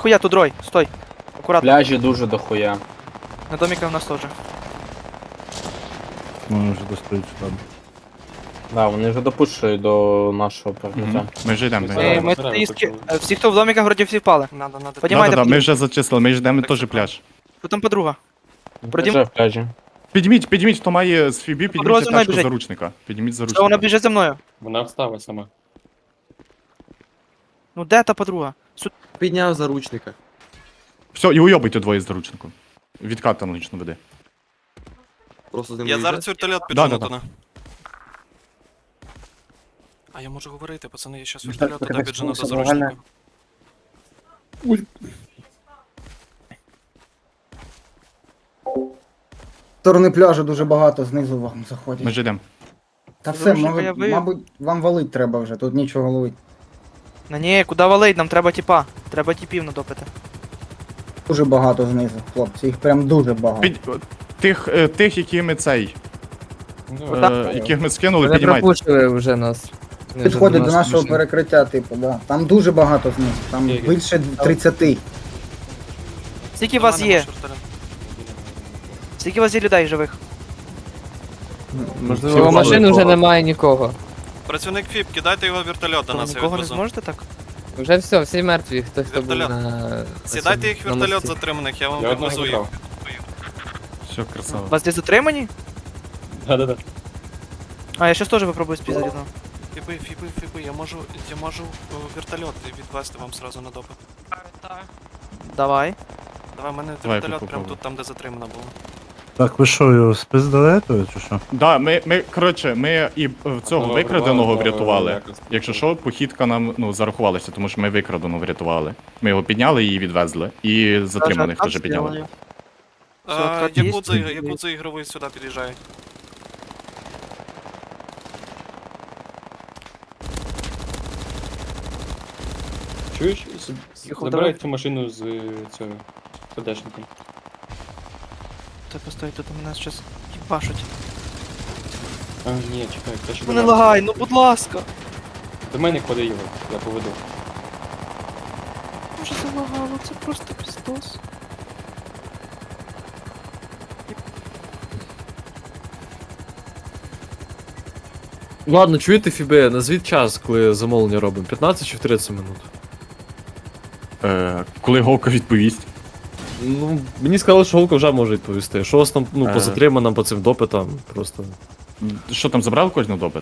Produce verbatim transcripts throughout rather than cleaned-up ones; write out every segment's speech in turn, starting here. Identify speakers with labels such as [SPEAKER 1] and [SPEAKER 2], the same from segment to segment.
[SPEAKER 1] дохуя, тут Рой, стой. Аккуратно,
[SPEAKER 2] Пляжі дуже дохуя.
[SPEAKER 1] на домиках у нас теж.
[SPEAKER 3] Ну, вже достають там.
[SPEAKER 2] Да, вони вже допушують до нашого прикриття.
[SPEAKER 3] Мгм. Ми вже йдемо.
[SPEAKER 1] Ми,
[SPEAKER 3] Ми...
[SPEAKER 1] ми
[SPEAKER 4] Збираємо,
[SPEAKER 1] тут
[SPEAKER 4] почали.
[SPEAKER 1] із- всі, хто в домиках, вроді всі впали.
[SPEAKER 4] Надо, надо.
[SPEAKER 3] Да,
[SPEAKER 1] Поднімайте,
[SPEAKER 3] да, да, ми
[SPEAKER 1] п'ять.
[SPEAKER 3] вже зачислили, ми ж йдемо теж пляж.
[SPEAKER 1] Що там подруга? Продім-
[SPEAKER 2] Вже в пляжі.
[SPEAKER 3] Підніміть, підніміть, хто має з Фібі,
[SPEAKER 1] Подруга
[SPEAKER 3] підніміть
[SPEAKER 1] за мною
[SPEAKER 3] тяжко
[SPEAKER 1] біжить.
[SPEAKER 3] заручника. Підніміть
[SPEAKER 1] Що вона
[SPEAKER 3] заручника.
[SPEAKER 1] біжить за мною?
[SPEAKER 4] Вона встала сама.
[SPEAKER 1] Ну де та подруга? Сю-
[SPEAKER 5] Підняв заручника.
[SPEAKER 3] Все, і уйобуйте двоє з заручником. Відкат аналогічно веде.
[SPEAKER 5] Просто з ним
[SPEAKER 6] Я
[SPEAKER 5] виїжджати.
[SPEAKER 6] зараз вертольот
[SPEAKER 3] Да,
[SPEAKER 6] піджену
[SPEAKER 3] да, да.
[SPEAKER 6] туди. А я можу говорити, пацани, я щас
[SPEAKER 7] Ну,
[SPEAKER 6] вертольот
[SPEAKER 7] так,
[SPEAKER 6] туди
[SPEAKER 7] так,
[SPEAKER 6] піджену до
[SPEAKER 7] так,
[SPEAKER 6] заручника.
[SPEAKER 7] нормально. Сторони пляжу дуже багато, знизу вам
[SPEAKER 3] Ми
[SPEAKER 7] заходять.
[SPEAKER 3] ж йдемо.
[SPEAKER 7] Та все,
[SPEAKER 1] Заручника я
[SPEAKER 7] мабуть,
[SPEAKER 1] вивів.
[SPEAKER 7] мабуть, вам валить треба вже, тут нічого ловить.
[SPEAKER 1] На ні, куди валить, нам треба тіпа. Треба тіпів надопити.
[SPEAKER 7] Дуже багато знизу, хлопці, їх прям дуже багато.
[SPEAKER 3] Під... Тих, е, тих, які ми цей,
[SPEAKER 4] Ну,
[SPEAKER 1] Отак.
[SPEAKER 3] е, яких ми скинули,
[SPEAKER 8] Вони
[SPEAKER 3] піднімайте.
[SPEAKER 8] пропушили вже нас. Вони вже
[SPEAKER 7] Підходять до
[SPEAKER 8] нас
[SPEAKER 7] нашого
[SPEAKER 8] пішли.
[SPEAKER 7] перекриття, типу, да. Там дуже багато знизу, там
[SPEAKER 4] Скільки?
[SPEAKER 7] більше тридцяти.
[SPEAKER 1] Скільки вас
[SPEAKER 6] Нема,
[SPEAKER 1] є?
[SPEAKER 6] нема вертольоту.
[SPEAKER 1] Скільки вас є людей живих?
[SPEAKER 8] Можливо,
[SPEAKER 3] Всі
[SPEAKER 8] машин
[SPEAKER 3] впали.
[SPEAKER 8] вже немає нікого.
[SPEAKER 6] Працівник ФІП, кидайте його в вертольот до
[SPEAKER 1] То
[SPEAKER 6] нас, я
[SPEAKER 1] нікого не
[SPEAKER 6] відвезу.
[SPEAKER 1] зможете так?
[SPEAKER 8] Вже все, всі мертві, хто хто був
[SPEAKER 6] Вертольот.
[SPEAKER 8] на.
[SPEAKER 6] Сідайте їх в
[SPEAKER 8] на
[SPEAKER 6] вертольот
[SPEAKER 8] мості.
[SPEAKER 6] затриманих, я вам
[SPEAKER 4] Я одного
[SPEAKER 6] відвезу їх.
[SPEAKER 4] забрав.
[SPEAKER 3] Все, красава.
[SPEAKER 1] Вас десь затримані?
[SPEAKER 4] Да-да-да.
[SPEAKER 1] А, я щас теж попробую спіздати одного.
[SPEAKER 6] Фіби, фіби, фіби, я можу, я можу е, вертольот відвести вам сразу на допит.
[SPEAKER 1] Давай.
[SPEAKER 6] Давай, в мене
[SPEAKER 3] Давай,
[SPEAKER 6] вертольот
[SPEAKER 3] попробуй.
[SPEAKER 6] прямо тут, там, де затримано було.
[SPEAKER 3] Так, ви що, його спиздали, чи що? Да, ми, ми, коротше, ми і е, цього
[SPEAKER 4] Одного
[SPEAKER 3] викраденого
[SPEAKER 4] врятували,
[SPEAKER 3] врятували.
[SPEAKER 4] якось.
[SPEAKER 3] Якщо що, похідка нам, ну, зарахувалася, тому що ми викраденого врятували. Ми його підняли і відвезли. І затриманих теж підняли.
[SPEAKER 1] Все,
[SPEAKER 6] А,
[SPEAKER 1] откат є?
[SPEAKER 6] Якудза, Якудза ігровий сюди під'їжджає.
[SPEAKER 4] Чуєш? С- с-
[SPEAKER 1] Тихо,
[SPEAKER 4] Забирай
[SPEAKER 1] давай.
[SPEAKER 4] цю машину з е, цього ПДшником.
[SPEAKER 1] Та постой, тут у нас щас їбашуть.
[SPEAKER 4] А, ні, чекай, те, що
[SPEAKER 1] Ну
[SPEAKER 4] до
[SPEAKER 1] не
[SPEAKER 4] мене.
[SPEAKER 1] лагай, ну будь ласка.
[SPEAKER 4] До мене клади його, я поведу.
[SPEAKER 1] Може залагало, це просто піздос.
[SPEAKER 5] Ладно, чуєте, Фібе, назвіть час, коли замовлення робимо. п'ятнадцять чи тридцять минут?
[SPEAKER 3] Е, коли Говка відповість.
[SPEAKER 5] Ну, мені сказали, що Голка вже може відповісти. Що у вас там, ну,
[SPEAKER 3] Е.
[SPEAKER 5] по затриманим, по цим допитам, просто.
[SPEAKER 3] Що там, забрали кожного допит?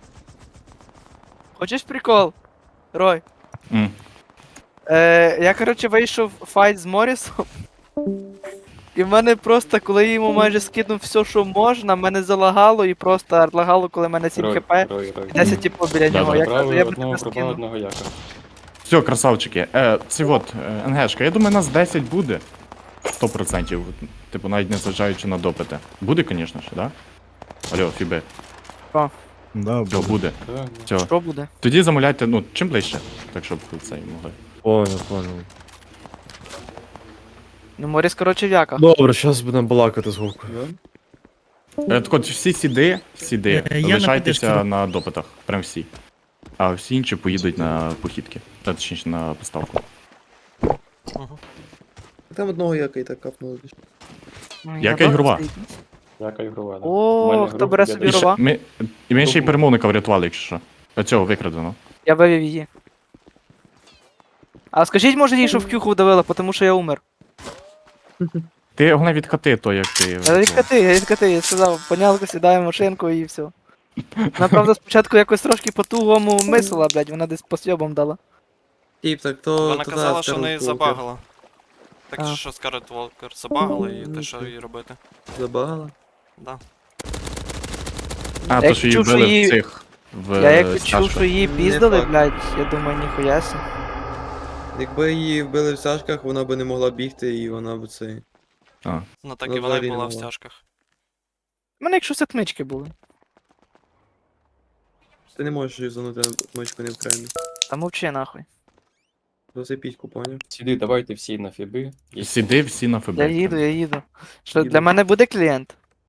[SPEAKER 1] Хочеш прикол? Рой.
[SPEAKER 3] М.
[SPEAKER 1] Е, я, коротше, вийшов в файт з Морісом. І в мене просто, коли я йому майже скинув все, що можна, мене залагало і просто артлагало, коли в мене сім
[SPEAKER 4] Рой,
[SPEAKER 1] хп.
[SPEAKER 4] Рой, Рой.
[SPEAKER 1] І десять типу біля
[SPEAKER 3] Да,
[SPEAKER 1] нього.
[SPEAKER 3] да.
[SPEAKER 1] Я кажу,
[SPEAKER 4] Забрали
[SPEAKER 1] я б
[SPEAKER 4] одного,
[SPEAKER 1] тебе
[SPEAKER 4] пропав
[SPEAKER 1] скинув.
[SPEAKER 4] одного яка.
[SPEAKER 3] Все, красавчики. Е, це от, е, НГшка, я думаю, нас десять буде. сто процентів. Типу, навіть не зважаючи на допити. Буде, звісно ж, да? Алло, Фібе.
[SPEAKER 1] Що?
[SPEAKER 3] Да, Все, буде.
[SPEAKER 4] Да, да.
[SPEAKER 3] Все.
[SPEAKER 1] Що буде?
[SPEAKER 3] Тоді замовляйте, ну, чим ближче, так щоб цей могли.
[SPEAKER 5] Понял, понял.
[SPEAKER 1] Ну, Моріс, коротше, в яках.
[SPEAKER 5] Добре, зараз будемо балакати з Голкою.
[SPEAKER 3] Е, так от всі сіди, сіди,
[SPEAKER 9] Е, я на
[SPEAKER 3] лишайтеся
[SPEAKER 9] підешки.
[SPEAKER 3] на допитах. Прям всі. А всі інші поїдуть на похідки. Та, точніше, на поставку.
[SPEAKER 5] Там одного яка і так капнули.
[SPEAKER 1] Ну,
[SPEAKER 3] Яка
[SPEAKER 1] я
[SPEAKER 3] ігрова?
[SPEAKER 1] стоїть.
[SPEAKER 4] Яка ігрова, да.
[SPEAKER 1] О,
[SPEAKER 4] У мене
[SPEAKER 1] хто
[SPEAKER 4] гру
[SPEAKER 1] бере
[SPEAKER 4] йде
[SPEAKER 1] собі
[SPEAKER 3] І
[SPEAKER 4] десь.
[SPEAKER 3] ще,
[SPEAKER 1] Ігрова?
[SPEAKER 3] ми, і ми ще й перемовника врятували, якщо що. Оцього викрадено.
[SPEAKER 1] Я вивів її. А скажіть, може, їй, що в кюху вдавила, тому що я умер.
[SPEAKER 3] Ти головне від хати, то як ти.
[SPEAKER 1] Я від коти, я від коти, я сказав, понялко, сідаю в машинку і все. Вона, правда, спочатку якось трошки по-тугому мислила, блядь, вона десь по сьобам дала.
[SPEAKER 5] Тіп, так то...
[SPEAKER 6] Вона казала, що неї забагала. Так
[SPEAKER 1] А.
[SPEAKER 6] що Скарлет Волкер забагала і те, що їй робити.
[SPEAKER 5] Забагала?
[SPEAKER 6] Да.
[SPEAKER 3] А,
[SPEAKER 1] Я
[SPEAKER 3] то
[SPEAKER 1] як
[SPEAKER 3] що її
[SPEAKER 1] чув, що
[SPEAKER 3] вбили
[SPEAKER 1] її-
[SPEAKER 3] в цих. В,
[SPEAKER 1] Я як
[SPEAKER 3] е,
[SPEAKER 1] чув,
[SPEAKER 3] стяжках.
[SPEAKER 1] що її
[SPEAKER 5] Не
[SPEAKER 1] піздали,
[SPEAKER 5] факт.
[SPEAKER 1] блядь, я думаю, ніхуя сі.
[SPEAKER 5] Якби її вбили в стяжках, вона б не могла бігти і вона б це...
[SPEAKER 3] А.
[SPEAKER 6] Ну так
[SPEAKER 5] Ну,
[SPEAKER 6] і вона
[SPEAKER 5] взагалі
[SPEAKER 6] й
[SPEAKER 5] не
[SPEAKER 6] була в
[SPEAKER 5] могла.
[SPEAKER 6] стяжках.
[SPEAKER 1] У мене якщо отмички були.
[SPEAKER 5] Ти не можеш юзанути мочку не в кремі.
[SPEAKER 1] Та мовчи нахуй.
[SPEAKER 5] Засипіть купоня.
[SPEAKER 4] Сюди, давайте всі на фіби. Є-
[SPEAKER 3] Сіди всі на ФБ.
[SPEAKER 1] Я їду, я їду. Що,
[SPEAKER 5] Їду.
[SPEAKER 1] для мене буде клієнт?